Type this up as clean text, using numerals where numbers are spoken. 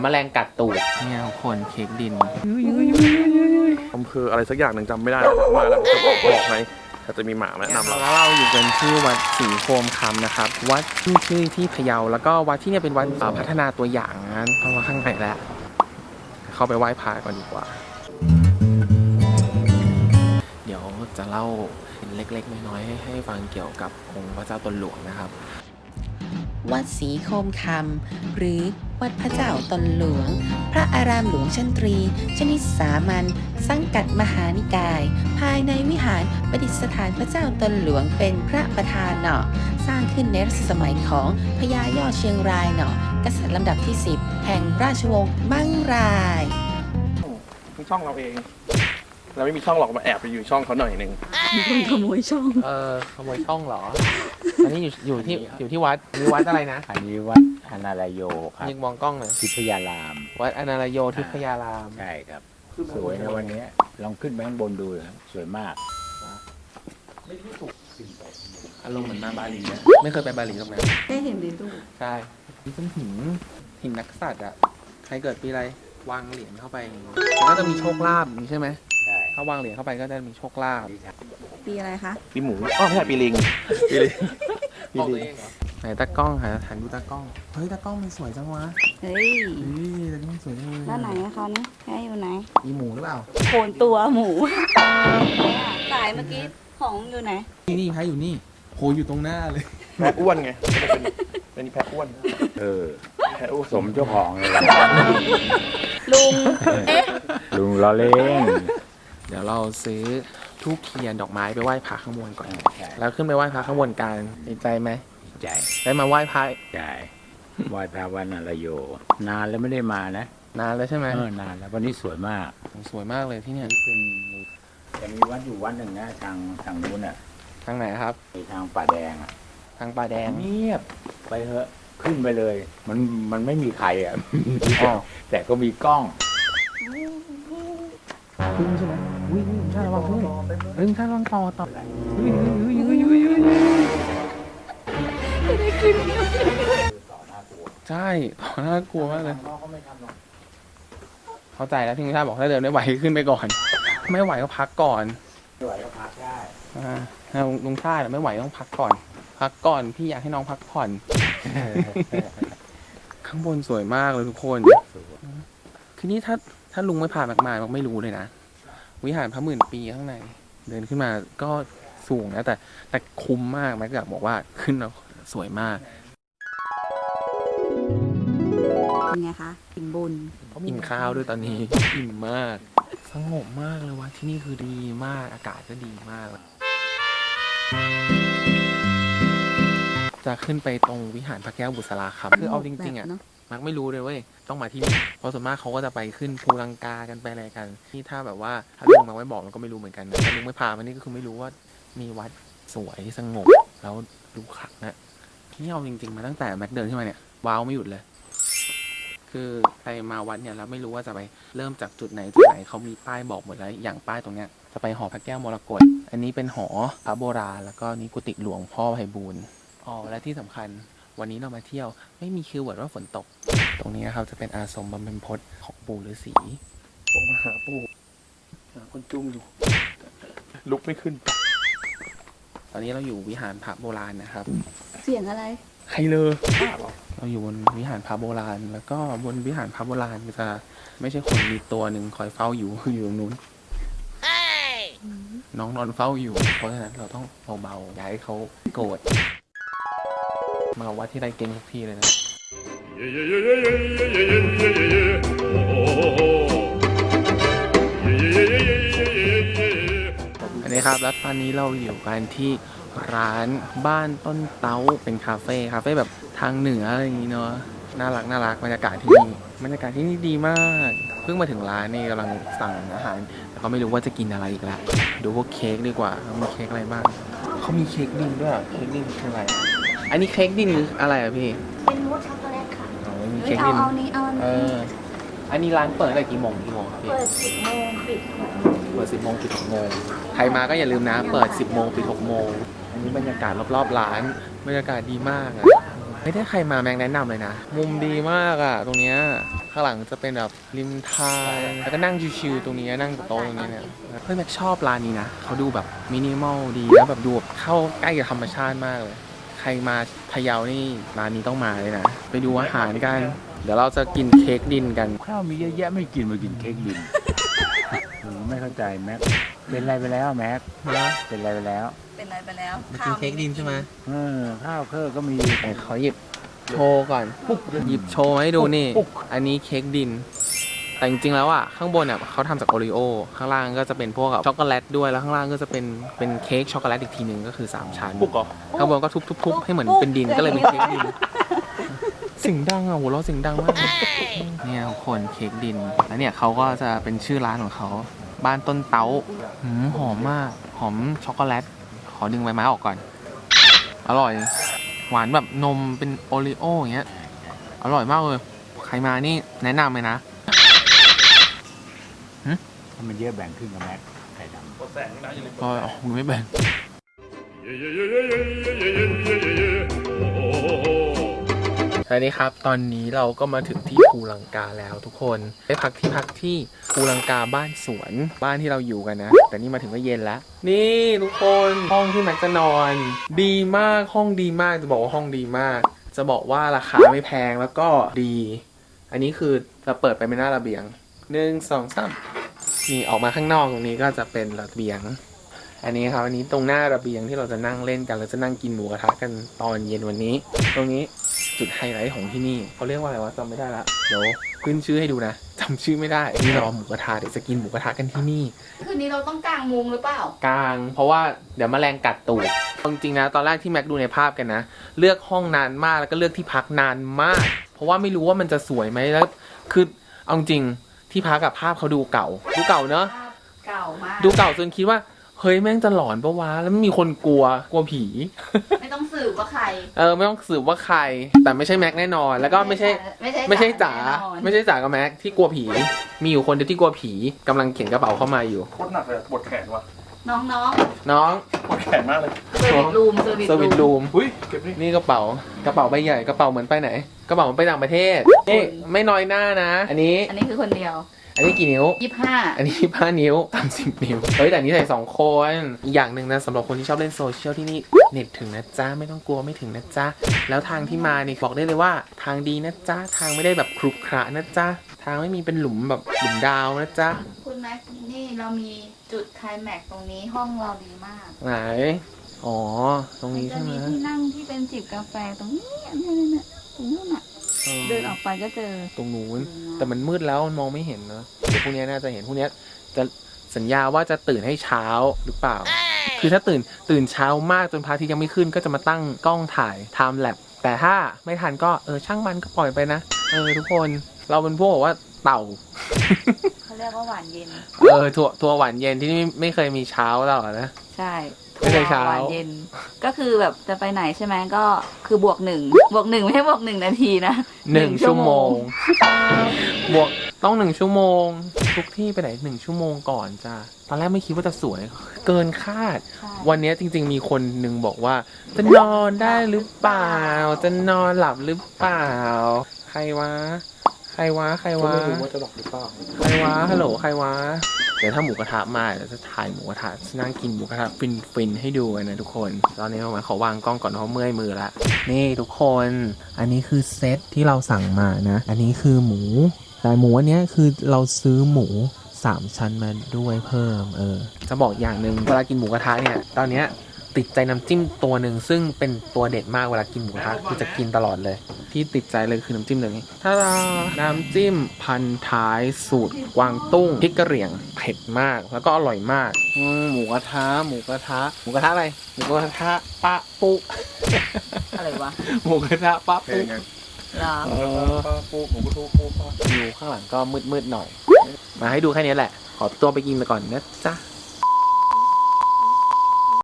แมลงกัดตูดเนี่ยทุกคนเค้กดินอำเภออะไรสักอย่างหนึ่งจำไม่ได้มาแล้วจะบอกไหมถ้าจะมีหมาแนะนำเราแล้วเราอยู่กันที่วัดศรีโคมคำนะครับวัดชื่อที่พะเยาแล้วก็วัดที่เนี่ยเป็นวัดพัฒนาตัวอย่างนะเพราะว่าข้างในแล้วเข้าไปไหว้พระก่อนดีกว่าเดี๋ยวจะเล่าเล็กๆน้อยๆให้ฟังเกี่ยวกับองค์พระเจ้าตนหลวงนะครับวัดศรีโคมคำหรือวัดพระเจ้าตนหลวงพระอารามหลวงชั้นตรีชนิดสามัญสังกัดมหานิกายภายในวิหารประดิษฐานพระเจ้าตนหลวงเป็นพระประธานเนาะสร้างขึ้นในรัชสมัยของพญายอดเชียงรายเนาะกษัตริย์ลำดับที่10แห่งราชวงศ์มั่งรายคือช่องเราเองเราไม่มีช่องหรอกมาแอบไปอยู่ช่องเขาหน่อยนึงมีคนขโมยช่องขโมยช่องเหรออันนี้อยู่ที่วัดมีวัดอะไรนะอันนี้วัดอนาลโยครับยิงมองกล้องหน่อยทิพยารามวัดอนาลโยทิพยารามใช่ครับสวยนะวันนี้ลองขึ้นไปข้างบนดูครับสวยมากอารมณ์เหมือนมาบาหลีนะไม่เคยไปบาหลีตรงนั้นได้เห็นในรูปใช่นี่เป็นหินนักษัตริย์อ่ะใครเกิดปีอะไรวางเหรียญเข้าไปมันก็จะมีโชคลาภอย่างนี้ใช่ไหมถ้าวางเหรียญเข้าไปก็จะมีโชคลาภปีอะไรคะปีหมูไม่ใช่ปีลิงบอกตัวเองเหรอไหนตากล้องหาหันดูตากล้องเฮ้ยตากล้องมันสวยจังวะเฮ้ยตากล้องสวยจังเลยแล้วไหนอะคะนี่แค่อยู่ไหนมีหมูหรือเปล่าโคนตัวหมูสายเมื่อกี้ของอยู่ไหนนี่แพ้อยู่นี่โหอยู่ตรงหน้าเลยแพะอ้วนไงเป็นแพะอ้วนแพะอ้วนสมเจ้าของเลยลุงลุงล้อเล่นเดี๋ยวเราซื้อทูบเทียนดอกไม้ไปไหว้พระข้างบนก่อนแล้วขึ้นไปไหว้พระข้างบนกันดีใจไหมใจได้มาไหว้พระใจไหว้พระวันอนาลโยนานแล้วไม่ได้มานะนานแล้วใช่ไหมนานแล้ววันนี้สวยมากสวยมากเลยที่เนี่ยเป็นจะมีวัดอยู่วัดหนึ่งนะทางนู้นอ่ะทางไหนครับทางป่าแดงอ่ะทางป่าแดงเงียบไปเถอะขึ้นไปเลยมันไม่มีใครอ่ะแต่ก็มีกล้องพึ่งใช่ไหมวิ่งท่านระวังพึ่งท่านระวังต่อใช่ต่อน่ากลัวมากเลยเข้าใจแล้วที่ท่านบอกถ้าเดินไม่ไหวขึ้นไปก่อนไม่ไหวก็พักก่อนไม่ไหวก็พักได้ลุงชาติไม่ไหวต้องพักก่อนพี่อยากให้น้องพักผ่อนข้างบนสวยมากเลยทุกคนคือนี่ถ้าลุงไม่ผ่านมากๆไม่รู้เลยนะวิหารพระหมื่นปีข้างในเดินขึ้นมาก็สูงนะแต่คุ้มมากแม็กอยากบอกว่าขึ้นแล้วสวยมากเป็นไงคะอิ่มบุญอิ่มข้าวด้วยตอนนี้อิ่มมากสงบมากเลยว่ะที่นี่คือดีมากอากาศก็ดีมากจะขึ้นไปตรงวิหารพระแก้วบุษราคำคือเอาจริงๆอ่ะมักไม่รู้เลยเว้ยต้องมาที่นี่เพราะส่วนมากเขาก็จะไปขึ้นภูลังกากันไปอะไรกันที่ถ้าแบบว่าถ้าลุงมาไม่บอกมันก็ไม่รู้เหมือนกันนะถ้าลุงไม่พามานี่ก็คือไม่รู้ว่ามีวัดสวยสงบแล้วดูขลังนะที่เอาจริงๆมาตั้งแต่แม็กเดินขึ้นมาเนี่ยว้าวไม่หยุดเลยคือใครมาวัดเนี่ยแล้วไม่รู้ว่าจะไปเริ่มจากจุดไหนเขามีป้ายบอกหมดแล้วอย่างป้ายตรงเนี้ยจะไปหอพระแก้วมรกตอันนี้เป็นหอพระโบราณแล้วก็นี่กุฏิหลวงพ่อไพบูลย์และที่สำคัญวันนี้เรามาเที่ยวไม่มีคีย์เวิร์ดว่าฝนตกตรงนี้นะครับจะเป็นอาสมบำเพ็ญพจน์ของปู่ฤาษีผมมาหาปู่คนจุ้มอยู่ลุกไม่ขึ้นตอนนี้เราอยู่วิหารพระโบราณนะครับเสียงอะไรใครเลยเราอยู่บนวิหารพระโบราณแล้วก็บนวิหารพระโบราณจะไม่ใช่คนมีตัวหนึ่งคอยเฝ้าอยู่ตรงนู้นน้องนอนเฝ้าอยู่เพราะฉะนั้นเราต้องเบาๆอย่าให้เขาโกรธมาวัดที่ไรเก่งทุกที่เลยนะอันนี้ครับแล้วตอนนี้เราอยู่กันที่ร้านบ้านต้นเต้าเป็นคาเฟ่แบบทางเหนืออะไรอย่างนี้เนาะน่ารักบรรยากาศที่นี่ดีมากเพิ่งมาถึงร้านนี่กำลังสั่งอาหารแต่ก็ไม่รู้ว่าจะกินอะไรอีกแล้วดูพวกเค้กดีกว่ามีเค้กอะไรบ้างเขามีเค้กดินด้วยเค้กดินคืออะไรอันนี้เค้กดินคืออะไรอะพี่เป็นมูสช็อกโกแลตค่ะมีเค้กดินเอานี้อันนี้ร้านเปิดตั้งแต่กี่โมงครับพี่เปิด10 โมงปิด 6 โมงเปิด10 โมงปิด6 โมงใครมาก็อย่าลืมนะเปิด10 โมงปิด6 โมงอันนี้บรรยากาศรอบๆร้านบรรยากาศดีมากอะไม่ได้ใครมาแม็กแนะนำเลยนะ มุมดีมากอ่ะตรงเนี้ยข้างหลังจะเป็นแบบริมทางแล้วก็นั่งชิวๆตรงนี้นั่งกับโต๊ะตรงนี้เนี่ยเฮ้ยแม็กชอบร้านนี้นะเขาดูแบบมินิมอลดีแล้วแบบดูแบบเข้าใกล้กับธรรมชาติมากเลยใครมาพะเยานี่ร้านนี้ต้องมาเลยนะไปดูอาหารกันเดี๋ยวเราจะกินเค้กดินกันข้าวมีเยอะแยะไม่กินมากินเค้กดิน ไม่เข้าใจแม็กเป็นไรไปแล้วแม็กเป็นไรไปแล้วเป็นอะไรไปแล้วมากินเค้กดินใช่ไหมข้าวเครื่องก็มีไหนขอหยิบโชว์ก่อนหยิบโชว์มาให้ดูนี่ปุ๊กอันนี้เค้กดิน แต่จริงๆแล้วอ่ะข้างบนเนี่ยเขาทำจากโอรีโอข้างล่างก็จะเป็นพวกแบบช็อกโกแลตด้วยแล้วข้างล่างก็จะเป็นเค้กช็อกโกแลตอีกทีหนึ่งก็คือ3ชั้นปุ๊กเหรอข้างบนก็ทุบๆให้เหมือนเป็นดินก็เลยเป็นเค้กดินเสิ่งดังอ่ะหัวเราะเสิ่งดังมากเนี่ยทุกคนเค้กดินแล้วเนี่ยเขาก็จะเป็นชื่อร้านของเขาบ้านต้นเต้าหอมมากหอมช็อกโกแลตขอดึงใบไม้ออกก่อนอร่อยหวานแบบนมเป็นโอรีโออย่างเงี้ยอร่อยมากเลยใครมานี่แนะนำเลยนะถ้ามันเยอะแบ่งครึ่งกับแม็กไข่ดำกดแสงนะอย่าลืมก็มึงไม่แบ่งสวัสดีครับ ตอนนี้เราก็มาถึงที่ภูลังกาแล้วทุกคนได้พักที่ภูลังกาบ้านสวนบ้านที่เราอยู่กันนะ แต่นี่มาถึงก็เย็นแล้ว นี่ทุกคนห้องที่แม็กจะนอน ดีมากห้องดีมากจะบอกว่าห้องดีมาก จะบอกว่าราคาไม่แพงแล้วก็ดี อันนี้คือจะเปิดไปเป็นหน้าระเบียง1 2 3นี่ออกมาข้างนอกตรงนี้ก็จะเป็นระเบียง อันนี้ครับอันนี้ตรงหน้าระเบียงที่เราจะนั่งเล่นกันเราจะนั่งกินหมูกระทะกันตอนเย็นวันนี้ ตรงนี้จุดไฮไลท์ของที่นี่เขาเรียกว่าอะไรวะจำไม่ได้ละเดี๋ยวขึ้นชื่อให้ดูนะจำชื่อไม่ได้นี่เราหมูกระทะเดี๋ยวจะกินหมูกระทะกันที่นี่คืนนี้เราต้องกางมุงหรือเปล่ากลางเพราะว่าเดี๋ยวแมลงกัดตูดจริงๆนะตอนแรกที่แม็กดูในภาพกันนะเลือกห้องนานมากแล้วก็เลือกที่พักนานมาก เพราะว่าไม่รู้ว่ามันจะสวยไหมแล้วคือเอาจริงที่พักกับภาพเขาดูเก่าเนอะเก่ามากดูเก่าจนคิดว่าเฮ้ยแม่งจะหลอนปะวะแล้วไม่มีคนกลัวผีไม่ต้องสืบว่าใครไม่ต้องสืบว่าใคร แต่ไม่ใช่แม็กแน่นอน แล้วก็ไม่ใช่จ๋าแน่นอนไม่ใช่จ๋ากับแม็กที่กลัวผี มีอยู่คนเดียวที่กลัวผีกำลังเข็นกระเป๋าเข้ามาอยู่โคตรหนักเลยปวดแขนว่ะน้องน้องปวดแขนมากเลยๆเซอร์วิสรูมเซอร์วิสรูมอุ้ยเก็บนี่นี่กระเป๋าใบใหญ่กระเป๋าเหมือนไปไหนกระเป๋าเหมือนไปต่างประเทศนี่ไม่น้อยหน้านะ อันนี้อันนี้คือคนเดียวอันนี้กี่นิ้ว 25 อันนี้5 นิ้ว30 นิ้วเฮ้ยแต่อันนี้ใส่2 คนอีกอย่างหนึ่งนะสำหรับคนที่ชอบเล่นโซเชียลที่นี่เน็ตถึงนะจ๊ะไม่ต้องกลัวไม่ถึงนะจ๊ะแล้วทางที่มานี่บอกได้เลยว่าทางดีนะจ๊ะทางไม่ได้แบบครุขระนะจ๊ะทางไม่มีเป็นหลุมแบบหลุมดาวนะจ๊ะคุณแม็กนี่เรามีจุดไคลแม็กซ์ตรงนี้ห้องเราดีมากไหนอ๋อตรงนี้จะใช่ไหมมีที่นั่งที่เป็นจิบกาแฟตรงนี้อันนี้เนี่ยตรงนู้นอ่ะ เดินออกไปก็เจอตรงนู้นแต่มันมืดแล้วมันมองไม่เห็นนะเดี๋ยวพรุ่งนี้น่าจะเห็นพรุ่งนี้จะสัญญาว่าจะตื่นให้เช้าหรือเปล่า คือถ้าตื่นเช้ามากจนพระอาทิตย์ยังไม่ขึ้นก็จะมาตั้งกล้องถ่าย time lapse แต่ถ้าไม่ทันก็ช่างมันก็ปล่อยไปนะทุกคนเราเป็นพวกแบบว่าเต่าเขาเรียกว่าหวานเย็นทัวร์หวานเย็นที่ไม่เคยมีเช้าแล้วนะใช่ไม่ใช่เช้าหวานเย็น ก็คือแบบจะไปไหนใช่ไหมก็คือบวก1ไม่ใช่บวก1 นาทีนะ 1 ชั่วโมง บวกต้อง1 ชั่วโมง ทุกที่ไปไหน1 ชั่วโมงก่อนจ้าตอนแรกไม่คิดว่าจะสวยเกินคาดใช่วันนี้จริงๆมีคนหนึ่งบอกว่าจะนอนได้หรือเปล่า จะนอนหลับหรือเปล่า ใครวะไม่รู้ว่าจะหลับหรือเปล่าใครวะฮัลโหลใครวะเดี๋ยวถ้าหมูกระทะมาเดี๋ยวจะถ่ายหมูกระทะนั่งกินหมูกระทะฟินให้ดูกันนะทุกคนตอนนี้ผมขอวางกล้องก่อนเพราะเมื่อยมือละนี่ทุกคนอันนี้คือเซตที่เราสั่งมานะอันนี้คือหมูแต่หมูอันนี้คือเราซื้อหมู3 ชั้นมาด้วยเพิ่มจะบอกอย่างหนึ่งเวลากินหมูกระทะเนี่ยตอนเนี้ยติดใจน้ำจิ้มตัวหนึ่งซึ่งเป็นตัวเด็ดมากเวลากินหมูกระทะคือจะกินตลอดเลยที่ติดใจเลยคือน้ำจิ้มเลยถ้าน้ำจิ้มพันท้ายสูตรกวางตุ้งพริกกระเหรี่ยงเผ็ดมากแล้วก็อร่อยมากหมูกระทะอะไรหมูกระทะปะปุอะไรวะหมูกระทะปะเพลปุงไงเหรอปูหมูกระทูปูปลาอยู่ข้างหลังก็มืดๆหน่อยมาให้ดูแค่นี้แหละขอตัวไปกินไปก่อนนะจ๊ะ